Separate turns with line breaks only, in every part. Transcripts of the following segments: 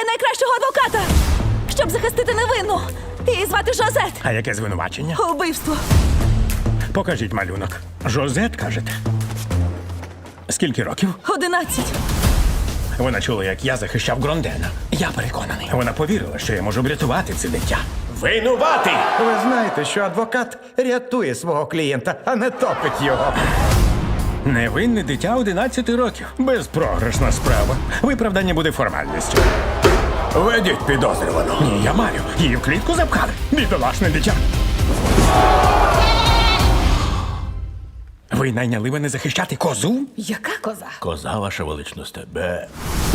шукаю найкращого адвоката, щоб захистити невинну. Її звати Жозет.
А яке звинувачення?
Убивство.
Покажіть малюнок. Жозет, кажете? Скільки років?
11.
Вона чула, як я захищав Грондена. Я переконаний. Вона повірила, що я можу врятувати це дитя. Винуватий!
Ви знаєте, що адвокат рятує свого клієнта, а не топить його.
Невинне дитя 11 років. Безпрограшна справа. Виправдання буде формальністю. Ведіть підозрювану. Ні, я маю. Її в клітку запхали. Бідолашне дитя. Ви найняли мене захищати козу?
Яка коза?
Коза, ваша величність, тебе.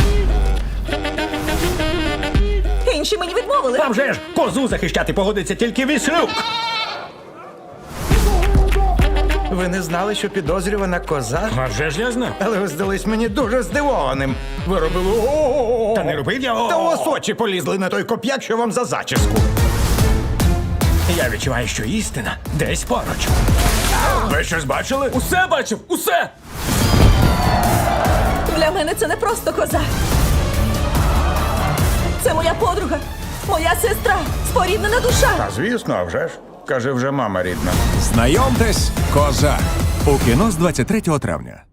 Інші мені відмовили.
А вже ж, козу захищати погодиться тільки Віслюк.
Ви не знали, що підозрювана коза?
А вже ж я знав.
Але ви здались мені дуже здивованим. Ви робили о-о-о.
Та не робив я.
Та у вас очі полізли на той коп'як, що вам за зачіску.
Я відчуваю, що істина десь поруч. Ви щось бачили?
Усе бачив! Усе!
Для мене це не просто коза. Це моя подруга, моя сестра, споріднена душа.
А звісно, а вже ж. Каже, вже мама рідна.
Знайомтесь, коза. У кіно з 23 травня.